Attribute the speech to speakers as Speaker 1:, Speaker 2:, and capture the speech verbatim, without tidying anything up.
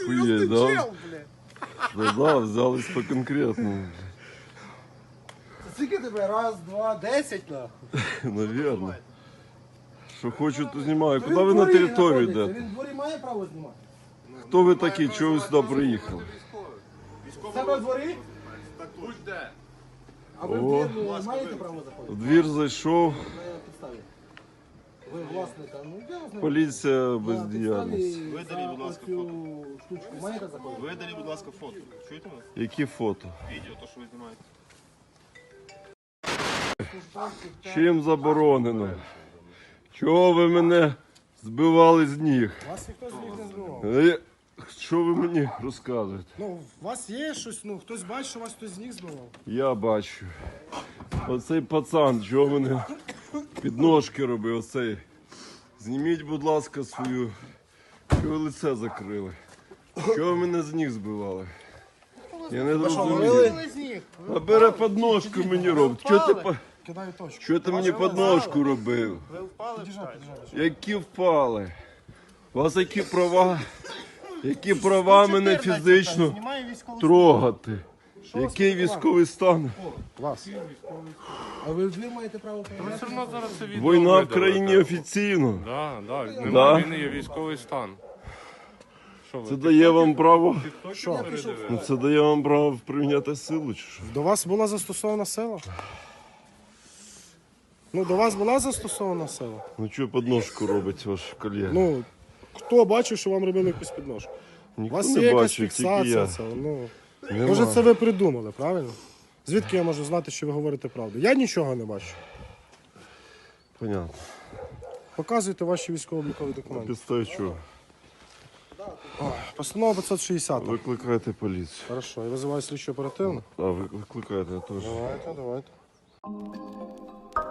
Speaker 1: Охуеть, да? Да, да, взялись по конкретному.
Speaker 2: Скільки тебе? Раз, два, десять, нахуй.
Speaker 1: Наверное. Що хочу, то знімаю. Куди ви на територію йдете?
Speaker 2: Він в дворі має право знімати?
Speaker 1: Хто ви такі? Чого ви сюди приїхали?
Speaker 2: Себе в дворі?
Speaker 3: Будь-де.
Speaker 2: А ви в двір не маєте право заходити?
Speaker 1: В двір зайшов,
Speaker 2: На підставі. Ви власника, ну я знаю.
Speaker 1: поліція бездіяльність.
Speaker 3: Видаліть, будь ласка,
Speaker 2: цю штучку маєте заходити?
Speaker 3: Видаліть, будь ласка, фото. Чуєте мене?
Speaker 1: Які фото?
Speaker 3: Відео, то, що ви знімаєте.
Speaker 1: Чим заборонено? Чого ви мене збивали з ніг?
Speaker 2: Вас ніхто з них не збивав.
Speaker 1: Е, Що ви мені розказуєте?
Speaker 2: Ну, у вас є щось, ну, хтось бачить, що вас хтось з них збивав?
Speaker 1: Я бачу. Оцей пацан, чого мене підножки робив, оцей. Зніміть, будь ласка, свою. Чого ви лице закрили? Чого ви мене з ніг збивали? Я не зрозумів.
Speaker 2: з них.
Speaker 1: А бере підножку мені робить. Чого ти, по-
Speaker 2: Кидаю точку.
Speaker 1: чого ти мені підножку робив?
Speaker 3: Ви впали?
Speaker 2: Підіжджай, підіжджай.
Speaker 1: Які впали? У вас які права? Які права мене фізично
Speaker 2: Знімаю військову.
Speaker 1: трогати? Який військовий стан?
Speaker 2: Вас. А ви в двір маєте право перевіряти?
Speaker 4: Все одно зараз це відео
Speaker 1: Війна в
Speaker 4: видалите.
Speaker 1: країні офіційно.
Speaker 4: Да, да,
Speaker 1: Да?
Speaker 4: немає війни, є військовий стан. Що ви?
Speaker 1: Це дає вам право.
Speaker 4: Що?
Speaker 1: Ну, це дає вам право приміняти силу, чи що?
Speaker 2: До вас була застосована сила? Ну, до вас була застосована сила?
Speaker 1: Ну чого підножку робить ваш колега?
Speaker 2: Ну, хто бачив, що вам робили якусь підножку? У
Speaker 1: Ніхто
Speaker 2: вас є
Speaker 1: не
Speaker 2: якась
Speaker 1: бачив, тільки
Speaker 2: фіксація
Speaker 1: я.
Speaker 2: цього, ну.
Speaker 1: Нема.
Speaker 2: Може, це ви придумали, правильно? Звідки я можу знати, що ви говорите правду? Я нічого не бачу.
Speaker 1: Понятно.
Speaker 2: Показуйте ваші військово-облікові документи.
Speaker 1: Підставі чого?
Speaker 2: Постанова п'ятсот шістдесят.
Speaker 1: Викликайте поліцію.
Speaker 2: Хорошо, я визиваю слідчу оперативно.
Speaker 1: А, ви- викликайте, я теж.
Speaker 2: Давайте, давайте.